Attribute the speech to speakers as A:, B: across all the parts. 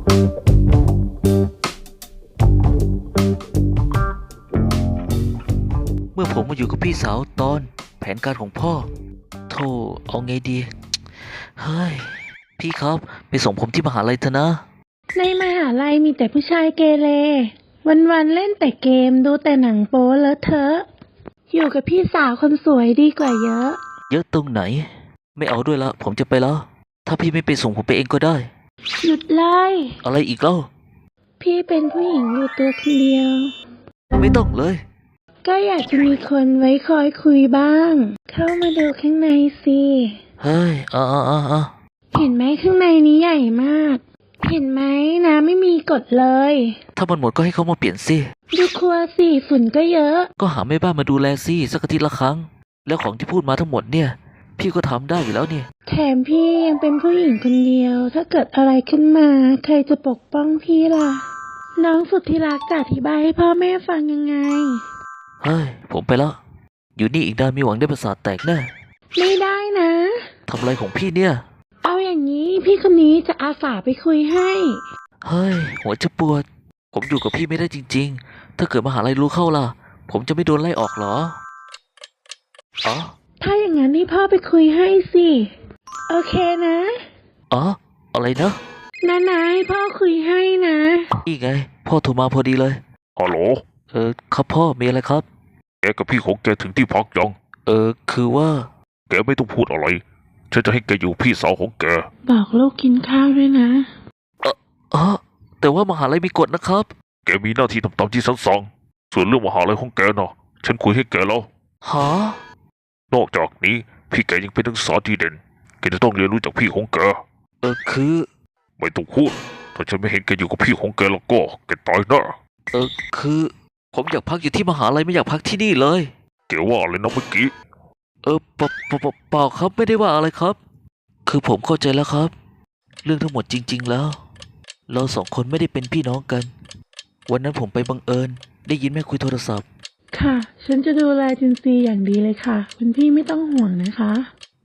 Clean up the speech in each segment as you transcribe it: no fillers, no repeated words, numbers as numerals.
A: เมื่อผมมาอยู่กับพี่สาวตอนแผนการของพ่อโธ่เอาไงดีเฮ้ยพี่ครับไปส่งผมที่มหาลัยเถอะนะ
B: ในมหาลัยมีแต่ผู้ชายเกเรวันๆเล่นแต่เกมดูแต่หนังโป๊เลอะเทอะอยู่กับพี่สาวคนสวยดีกว่าเยอะ
A: เยอะตรงไหนไม่เอาด้วยละผมจะไปแล้วถ้าพี่ไม่ไปส่งผมไปเองก็ได้
B: หยุดเลย
A: อะไรอีกเล่า
B: พี่เป็นผู้หญิงอยู่ตัวคนเดียว
A: ไม่ต้องเลย
B: ก็อยากจะมีคนไว้คอยคุยบ้างเข้ามาดูข้างในสิ
A: เฮ้ย
B: เห็นไหมข้างในนี้ใหญ่มากเห็นไหมน้ำไม่มีกฎเลย
A: ถ้ามันหมดก็ให้เขามาเปลี่ยนสิ
B: ดูครัวสิฝุ่นก็เยอะ
A: ก็หาแม่บ้านมาดูแลสิสักอาทิตย์ละครั้งแล้วของที่พูดมาทั้งหมดเนี่ยพี่ก็ทำได้อยู่แล้วเนี่ย
B: แถมพี่ยังเป็นผู้หญิงคนเดียวถ้าเกิดอะไรขึ้นมาใครจะปกป้องพี่ล่ะน้องสุดที่รักจะอธิบายให้พ่อแม่ฟังยังไง
A: เฮ้ยผมไปแล้วอยู่นี่อีกนานมีหวังได้ประสาทแตกแน่
B: ไม่ได้นะ
A: ทำอะไรของพี่เนี่ย
B: เอาอย่างนี้พี่คนนี้จะอาสาไปคุยให้
A: เฮ้ยหัวจะปวดผมอยู่กับพี่ไม่ได้จริงๆถ้าเกิดมหาลัยรู้เข้าล่ะผมจะไม่โดนไล่ออกเหรออ๋อ
B: ถ้าอย่างนั้นให้พ่อไปคุยให้สิโอเคนะ
A: อ๋ออะไรนะ
B: นะให้พ่อคุยให้นะ
A: นี่ไงพ่อโทรมาพอดีเลย
C: ฮัลโหล
A: ครับพ่อมีอะไรครับ
C: แกกับพี่ของแกถึงที่พักยัง
A: คือว่า
C: แกไม่ต้องพูดอะไรฉันจะให้แกอยู่พี่สาวของแก
B: บอกลูกกินข้าวด้วยนะ
A: แต่ว่ามหาลัยมีกฎนะครับ
C: แกมีหน้าที่ทำตามที่ฉันสั่งส่วนเรื่องมหาลัยของแกน่ะฉันคุยให้แกแล้ว
A: ฮะ
C: นอกจากนี้พี่แกยังเป็นนักศึกษาดีเด่นแกจะต้องเรียนรู้จากพี่ของแก
A: คือ
C: ไม่ต้องพูดถ้าฉันไม่เห็นแกอยู่กับพี่ของแกแล้วก็แกตายแน่
A: คือผมอยากพักอยู่ที่มหาลัยไม่อยากพักที่นี่เลย
C: แกว่าอะไรนะเมื่อกี้
A: เปล่าครับไม่ได้ว่าอะไรครับคือผมเข้าใจแล้วครับเรื่องทั้งหมดจริงๆแล้วเราสองคนไม่ได้เป็นพี่น้องกันวันนั้นผมไปบังเอิญได้ยินแม่คุยโทรศัพท์
B: ค่ะฉันจะดูแลจินซีอย่างดีเลยค่ะคุณพี่ไม่ต้องห่วงนะคะ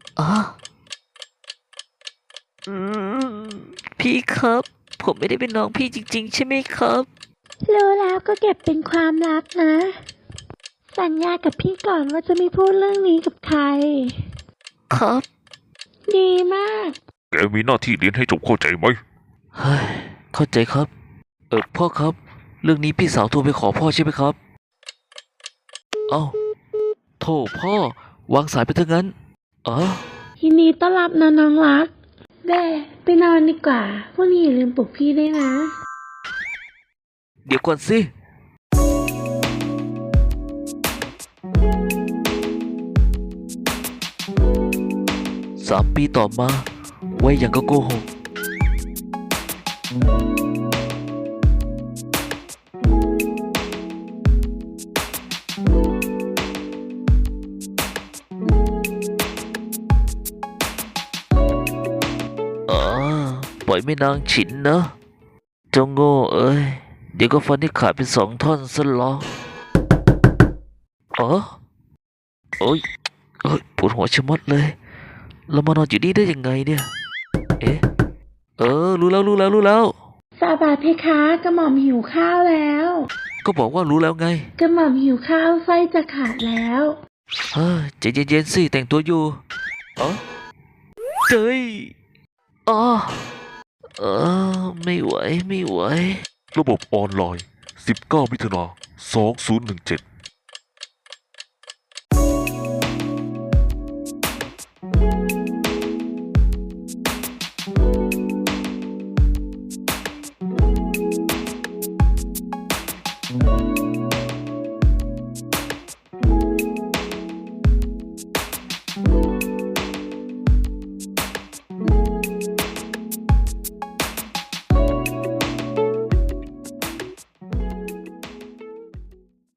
A: พี่ครับผมไม่ได้เป็นน้องพี่จริงๆใช่ไหมครับ
B: รู้แล้วก็เก็บเป็นความลับนะสัญญากับพี่ก่อนว่าจะไม่พูดเรื่องนี้กับใคร
A: ครับ
B: ดีมาก
C: แกมีหน้าที่เรียนให้จบเข้าใจไหม
A: เฮ้ยเข้าใจครับพ่อครับเรื่องนี้พี่สาวโทรไปขอพ่อใช่ไหมครับเอ้าโธ่พ่อวางสายไปเถอะงั้น
B: ยินดีต้อนรับนะน้องรักเด้ไปนอนดีกว่าพรุ่งนี้อย่าลืมปลุกพี่ด้วยนะ
A: เดี๋ยวก่อนสิ3 ปีต่อมาไว้อย่างก็โกหกปล่อยไม่นางฉินนะเจ้าโง่เอ้ยเดี๋ยวก็ฟันที่ขาดเป็น2 ท่อนซะหรอโอ้ยปวดหัวชะมัดเลยเรามานอนอยู่นี่ได้ยังไงเนี่ยรู้แล้ว
B: สาบาเพคะกระหม่อมหิวข้าวแล้ว
A: ก็บอกว่ารู้แล้วไง
B: กระหม่อมหิวข้าวไส้จะขาดแล้ว
A: ใจเย็นๆสิแต่งตัวอยู่เฮ้ยไม่ไหว
C: ระบบออนไลน์19 มิถุนายน 2017